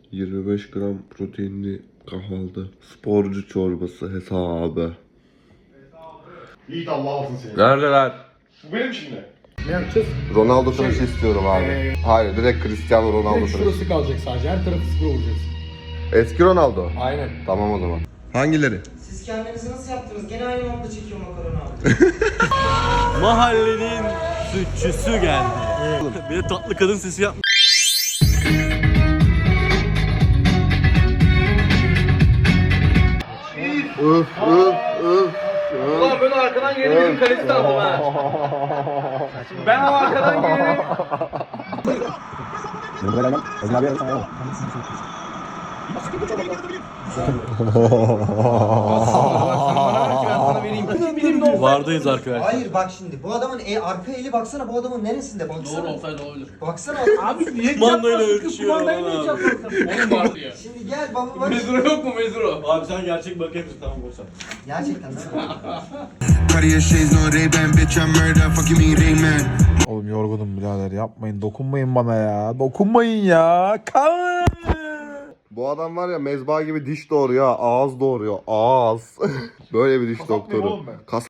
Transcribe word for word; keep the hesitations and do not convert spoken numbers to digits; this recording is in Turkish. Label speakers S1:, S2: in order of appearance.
S1: yirmi beş gram proteinli kahvaltı. Sporcu çorbası hesabı.
S2: Yiğit Allah alsın seni.
S1: Neredeler?
S2: Bu benim şimdi.
S3: Ne yapacağız?
S1: Ronaldo tıraşı istiyorum abi.
S3: Ee,
S1: Hayır, direkt Cristiano Ronaldo
S3: Direkt
S1: tıraşı.
S3: şurası kalacak sadece. Her tarafı sıfır olacağız.
S1: Eski Ronaldo.
S3: Aynen.
S1: Tamam o zaman. Hangileri?
S4: Siz kendinizi nasıl yaptınız? Gene aynı modda çekiyor makaronu abi.
S5: Mahallenin sütçüsü geldi. Bir de tatlı kadın sesi yapmış.
S1: Öf öf öf.
S2: Ulan ben arkadan geri bizim kalesi aldım ha. Ben o arkadan geri...
S5: Vardayız arkadaşlar.
S4: Hayır bak şimdi bu adamın e, arka eli baksana bu adamın neresinde baksana.
S5: Doğru olsaydı olabilir.
S4: Baksana
S3: Abi niye
S5: Kumandayla
S3: çarpmasın?
S5: örtüşüyor
S3: Kumandayı
S5: adam
S3: niye
S5: abi.
S3: çarpmasın?
S2: Oğlum vardı ya.
S4: Şimdi gel baba bak.
S2: Mezuro yok mu mezuro?
S5: Abi sen gerçek bakayım mısın? Tamam olsa.
S4: Gerçekten değil mi?
S6: Cartier shades, no Ray-Ban, bitch, I'm murder, fuck you mean Rayman.
S7: Oğlum yorgunum birader, yapmayın, dokunmayın bana ya, dokunmayın ya, kalın.
S1: Bu adam var ya mezba gibi diş doğuruyor, ağız doğuruyor, ağız. Böyle bir diş doktoru.
S3: oğlum ben.
S1: Kas